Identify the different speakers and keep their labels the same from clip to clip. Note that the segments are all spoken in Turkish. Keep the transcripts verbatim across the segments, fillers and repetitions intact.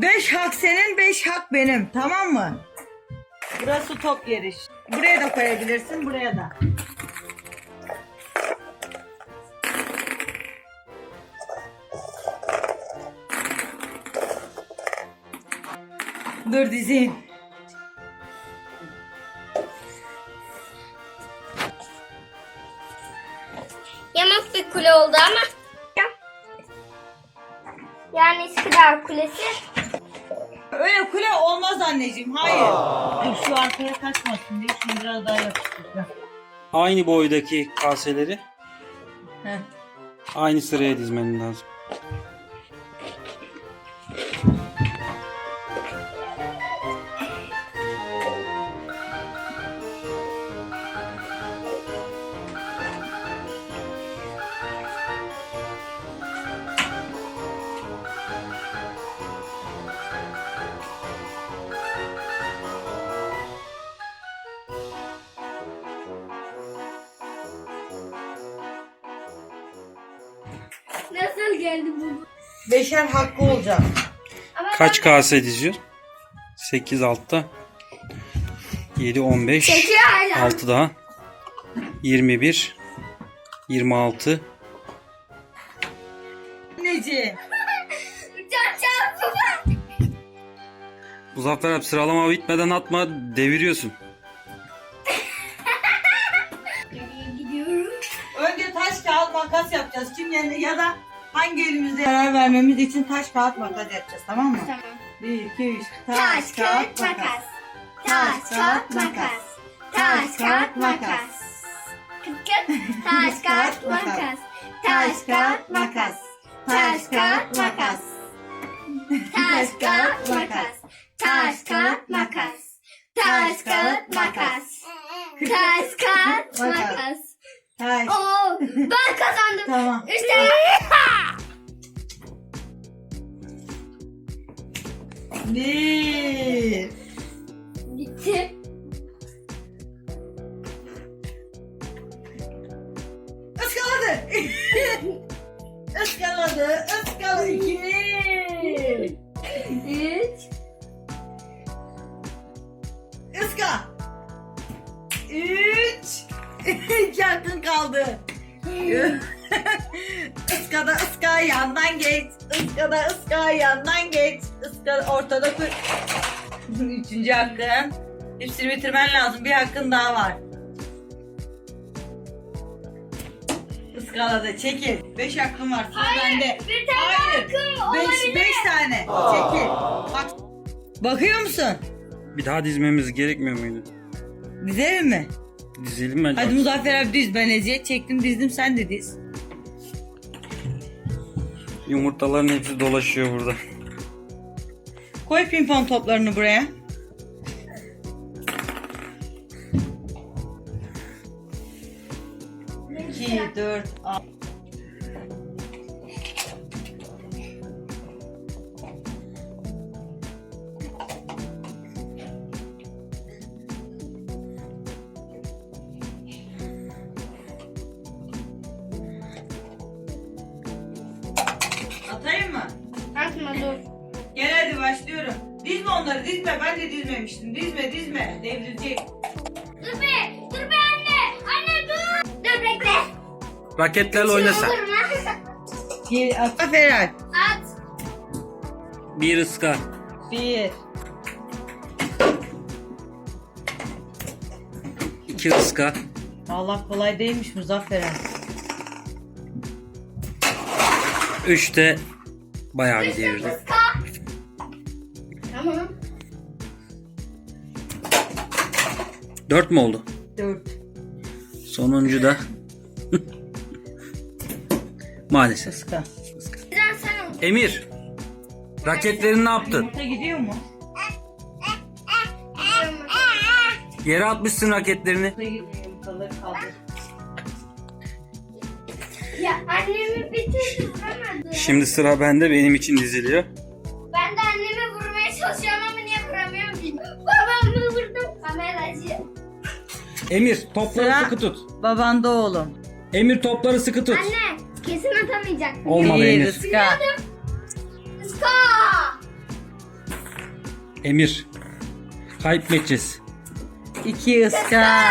Speaker 1: Beş hak senin, beş hak benim. Tamam mı? Burası top yeri. Buraya da koyabilirsin, buraya da. Dur dizeyim.
Speaker 2: Yamak bir kule oldu ama. Yani İskidar Kulesi.
Speaker 1: Öyle kule olmaz anneciğim, hayır. Dur şu arkaya kaçmasın diye şimdi biraz daha yapıştıracağım.
Speaker 3: Aynı boydaki kaseleri
Speaker 1: Heh.
Speaker 3: aynı sıraya dizmen lazım.
Speaker 2: Nasıl geldi bu?
Speaker 1: Beşer hakkı olacak.
Speaker 2: Ama
Speaker 3: Kaç kase diziyor? sekiz altta. yedi on beş.
Speaker 2: Çekil hala.
Speaker 3: altı daha. yirmi bir. yirmi altı.
Speaker 1: Anneciğim.
Speaker 2: Can can baba.
Speaker 3: Muzaffer abi sıralama bitmeden atma, deviriyorsun.
Speaker 2: Nereye gidiyorum?
Speaker 1: Önce taş kağıt makas yapacağız. Kim yerine ya da hangi elimizde karar vermemiz için taş kağıt makas yapacağız, tamam mı?
Speaker 2: Tamam.
Speaker 1: Bir, iki, üç.
Speaker 2: Taş, kağıt, makas. Taş, kağıt, makas. Taş, kağıt, makas. Kıt kıt. Taş, kağıt, makas. Taş, kağıt, makas. Taş, kağıt, makas. Taş, kağıt, makas. Taş, kağıt, makas. Taş, kağıt, makas. Taş, kağıt, makas.
Speaker 1: Taş.
Speaker 2: Oo, ben kazandım.
Speaker 1: Tamam.
Speaker 2: Üç tane.
Speaker 1: Bir.
Speaker 2: Bitti.
Speaker 1: Iskaladı. Iskaladı. Iskaladı. İki.
Speaker 2: Üç.
Speaker 1: Iska. Üç. İki hakkın kaldı. Iskada ıska yandan geç. Iskada ıska yandan geç. Iska ortada kur. Üçüncü hakkın. Hepsini bitirmen lazım. Bir hakkın daha var. Iskalada çekil. Beş hakkın var. Sıra bende.
Speaker 2: Bir tane
Speaker 1: Hayır.
Speaker 2: hakkım
Speaker 1: Beş,
Speaker 2: olabilir.
Speaker 1: beş tane. Çekil. Bak. Bakıyor musun?
Speaker 3: Bir daha dizmemiz gerekmiyor muydu?
Speaker 1: Dizelim mi?
Speaker 3: Dizelim bence.
Speaker 1: Hadi Muzaffer abi diz. Ben eziyet çektim, dizdim, sen de diz.
Speaker 3: Yumurtaların hepsi dolaşıyor burada.
Speaker 1: Koy pimpon toplarını buraya. İki, dört, altı. Atayım mı?
Speaker 2: Atma dur.
Speaker 1: Gel hadi başlıyorum. Dizme onları, dizme. Ben de dizmemiştim. Dizme, dizme. Devrilecek.
Speaker 2: Dur be. Dur be anne. Anne dur. Dur bekle.
Speaker 3: Raketlerle oyna sen.
Speaker 2: Olur mu?
Speaker 1: Gel, at. Ferhat.
Speaker 2: At.
Speaker 3: Bir ıska.
Speaker 1: Bir.
Speaker 3: iki ıska.
Speaker 1: Allah kolay değilmiş Muzaffer abi.
Speaker 3: üç de bayağı bir devirdi.
Speaker 2: Iska. Tamam.
Speaker 3: dört mü oldu?
Speaker 1: Dört.
Speaker 3: Sonuncu da maalesef.
Speaker 1: Iska.
Speaker 2: Güzel sen ol.
Speaker 3: Emir, raketlerini ne yaptın?
Speaker 1: Yumurta gidiyor mu?
Speaker 3: Yere atmışsın raketlerini.
Speaker 1: Yumurta gidiyor. Yumurtaları kaldır.
Speaker 2: Ya annemi bir türlü vuramadı.
Speaker 3: Şimdi sıra bende, benim için diziliyor.
Speaker 2: Ben de annemi vurmaya çalışıyorum ama niye vuramıyorum bilmiyorum. Babamı vurdum. Kameracı.
Speaker 3: Emir, topları
Speaker 1: Sıra-
Speaker 3: sıkı tut.
Speaker 1: Babanda oğlum.
Speaker 3: Emir, topları sıkı tut.
Speaker 2: Anne kesin atamayacak.
Speaker 3: Olmadı
Speaker 1: Bir
Speaker 3: Emir.
Speaker 1: ıska.
Speaker 2: Iska.
Speaker 3: Emir. Kaybedeceğiz.
Speaker 1: İki ıska.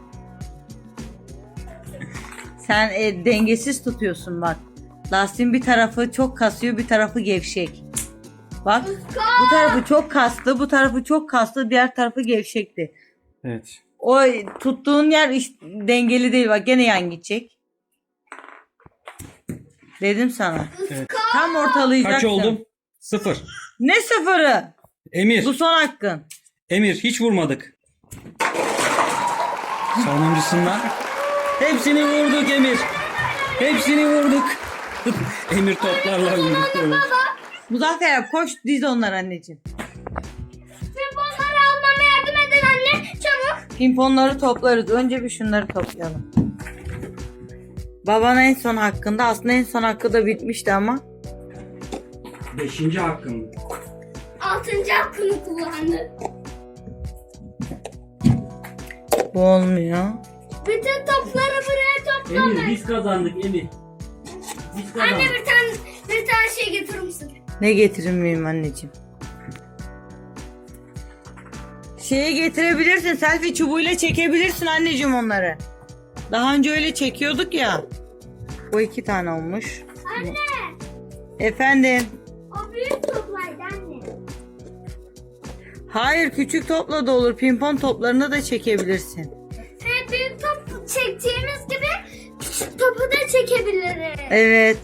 Speaker 1: Sen e, dengesiz tutuyorsun bak. Lastiğin bir tarafı çok kasıyor, bir tarafı gevşek. Bak, bu tarafı çok kaslı, bu tarafı çok kaslı, diğer tarafı gevşekti.
Speaker 3: Evet.
Speaker 1: O tuttuğun yer iş- dengeli değil, bak gene yan gidecek. Dedim sana.
Speaker 3: Evet.
Speaker 1: Tam ortalayacaksın.
Speaker 3: Kaç oldum? Sıfır.
Speaker 1: Ne sıfırı?
Speaker 3: Emir.
Speaker 1: Bu son hakkın.
Speaker 3: Emir hiç vurmadık. Sonuncusundan. Hepsini vurduk Emir. Hepsini vurduk. Emir toplarla vurdu.
Speaker 1: Muzaffer abi koş diz onları anneciğim.
Speaker 2: Pimponları almama yardım edin anne. Çabuk.
Speaker 1: Pimponları toplarız. Önce bir şunları toplayalım. Baban en son hakkında. Aslında en son hakkı da bitmişti ama.
Speaker 3: Beşinci hakkım.
Speaker 2: Altıncı hakkını kullandı.
Speaker 1: Bu olmuyor.
Speaker 2: Bütün topları buraya toplamak.
Speaker 3: Emir biz kazandık Emir. Biz
Speaker 2: Anne
Speaker 3: kazandık.
Speaker 2: bir tane bir tane şey getirir misin?
Speaker 1: Ne getirir miyim anneciğim? Şeyi getirebilirsin. Selfie çubuğuyla çekebilirsin anneciğim onları. Daha önce öyle çekiyorduk ya. Bu iki tane olmuş.
Speaker 2: Anne.
Speaker 1: Efendim.
Speaker 2: O büyük toplaydı anne.
Speaker 1: Hayır, küçük topla da olur. Pimpon toplarını da çekebilirsin.
Speaker 2: Ve büyük top çektiğimiz gibi küçük topu da çekebiliriz.
Speaker 1: Evet.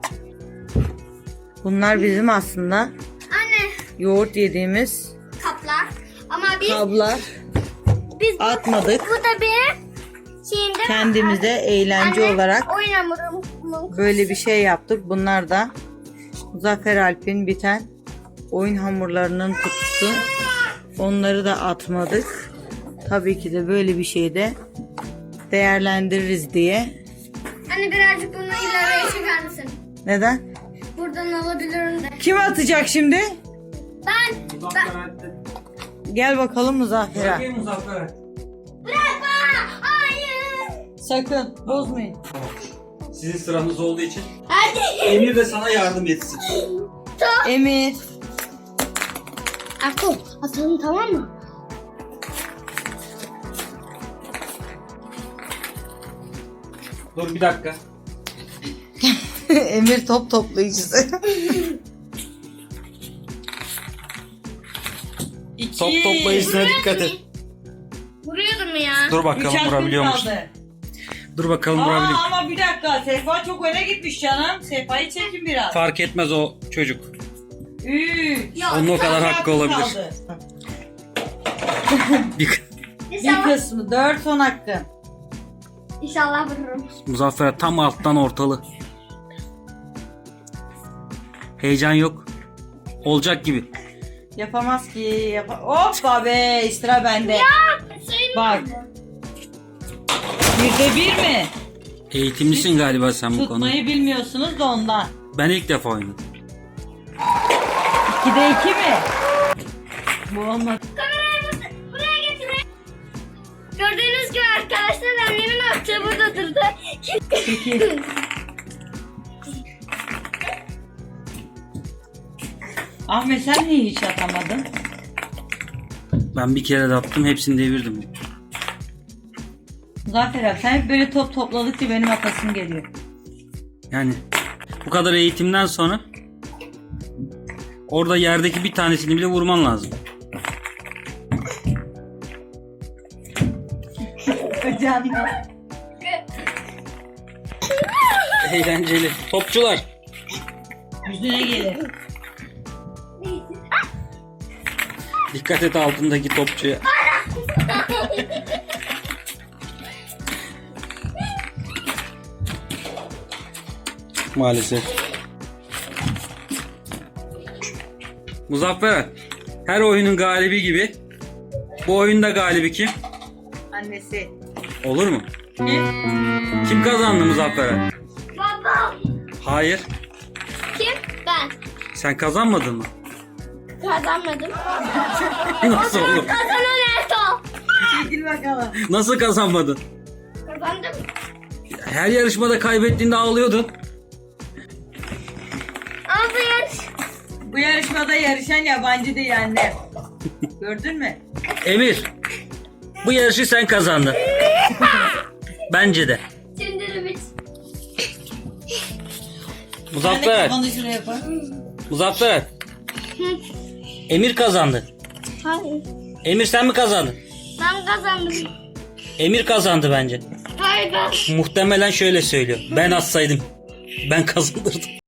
Speaker 1: Bunlar bizim aslında
Speaker 2: Anne
Speaker 1: yoğurt yediğimiz
Speaker 2: kaplar. Ama biz
Speaker 1: kablar.
Speaker 2: biz bu,
Speaker 1: Atmadık.
Speaker 2: bu da bir şeyinde
Speaker 1: Kendimize eğlence
Speaker 2: Anne,
Speaker 1: olarak
Speaker 2: oyun hamurumuz.
Speaker 1: böyle bir şey yaptık. Bunlar da Muzaffer Alp'in biten oyun hamurlarının kutusu. Onları da atmadık. Tabii ki de böyle bir şey de değerlendiririz diye.
Speaker 2: Anne birazcık bunu ileriye çeker misin?
Speaker 1: Neden?
Speaker 2: Buradan alabilirim de.
Speaker 1: Kim atacak şimdi?
Speaker 2: Ben. ben
Speaker 3: Muzaffer
Speaker 1: Gel bakalım Muzaffer Alp.
Speaker 3: Bırakayım Muzaffer.
Speaker 2: bırakma. Hayır.
Speaker 1: Sakın bozmayın.
Speaker 3: Sizin sıranız olduğu için
Speaker 2: Hadi.
Speaker 3: Emir de sana yardım etsin.
Speaker 1: Emir.
Speaker 2: Atalım. Atalım tamam mı?
Speaker 3: Dur bir dakika.
Speaker 1: Emir top toplayıcısı. İki.
Speaker 3: Top toplayıcısına dikkat et.
Speaker 2: Vuruyordum mu ya?
Speaker 3: Dur
Speaker 1: Üç
Speaker 3: bakalım
Speaker 1: hakkın
Speaker 3: vurabiliyor musun?
Speaker 1: kaldı.
Speaker 3: Dur bakalım vurabiliyor
Speaker 1: Aa,
Speaker 3: musun?
Speaker 1: ama bir dakika. Sehpa çok öne gitmiş canım. Sehpayı çekin biraz.
Speaker 3: Fark etmez o çocuk.
Speaker 1: Üç.
Speaker 2: Yok.
Speaker 3: Onun o kadar
Speaker 1: Üç
Speaker 3: hakkı
Speaker 1: hakkın
Speaker 3: olabilir.
Speaker 1: kaldı.
Speaker 3: Bir...
Speaker 1: Bir
Speaker 2: İnşallah,
Speaker 1: kısmı. Dört son hakkın.
Speaker 2: İnşallah vururum.
Speaker 3: Muzaffer tam alttan ortalı. Heyecan yok. Olacak gibi.
Speaker 1: Yapamaz ki. Yapa Hoppa be. Sıra bende.
Speaker 2: Sayın
Speaker 1: Bak. Birde bir mi?
Speaker 3: Eğitimlisin galiba sen bu konuda.
Speaker 1: Tutmayı bilmiyorsunuz da ondan.
Speaker 3: Ben ilk defa oynadım.
Speaker 1: İkide iki mi? Bu olmadı.
Speaker 2: Kamerayı buraya getirin. Gördüğünüz gibi arkadaşlar annemin attığı burada durdu.
Speaker 1: Peki. Ahmet sen niye hiç atamadın?
Speaker 3: Ben bir kere de attım, hepsini devirdim.
Speaker 1: Zafer abi sen hep böyle top topladıkça benim atasım geliyor.
Speaker 3: Yani bu kadar eğitimden sonra orada yerdeki bir tanesini bile vurman lazım.
Speaker 1: Canım.
Speaker 3: Eğlenceli. Topçular.
Speaker 1: Yüzüne gelir.
Speaker 3: Dikkat et altındaki topçuya. Maalesef. Muzaffer, her oyunun galibi gibi bu oyunda galibi kim?
Speaker 1: Annesi.
Speaker 3: Olur mu?
Speaker 1: Kim?
Speaker 3: Kim kazandı Muzaffer'e?
Speaker 2: Babam.
Speaker 3: Hayır.
Speaker 2: Kim? Ben.
Speaker 3: Sen kazanmadın mı?
Speaker 2: Kazanmadım.
Speaker 3: Nasıl oğlum?
Speaker 2: Kazanan Erto.
Speaker 1: Çekil bakalım.
Speaker 3: Nasıl kazanmadın?
Speaker 2: Kazandım.
Speaker 3: Her yarışmada kaybettiğinde ağlıyordun.
Speaker 2: Ama bu yarış.
Speaker 1: Bu yarışmada yarışan yabancı değil anne. Gördün mü?
Speaker 3: Emir. Bu yarışı sen kazandın. Bence de.
Speaker 2: Şimdi bit.
Speaker 3: Muzaffer Alp.
Speaker 1: Kafanı şuraya koy.
Speaker 3: Muzaffer Alp. Emir kazandı.
Speaker 2: Hayır.
Speaker 3: Emir sen mi kazandın?
Speaker 2: Ben kazandım.
Speaker 3: Emir kazandı bence.
Speaker 2: Hayır ben.
Speaker 3: Muhtemelen şöyle söylüyor. Ben atsaydım. Ben kazanırdım.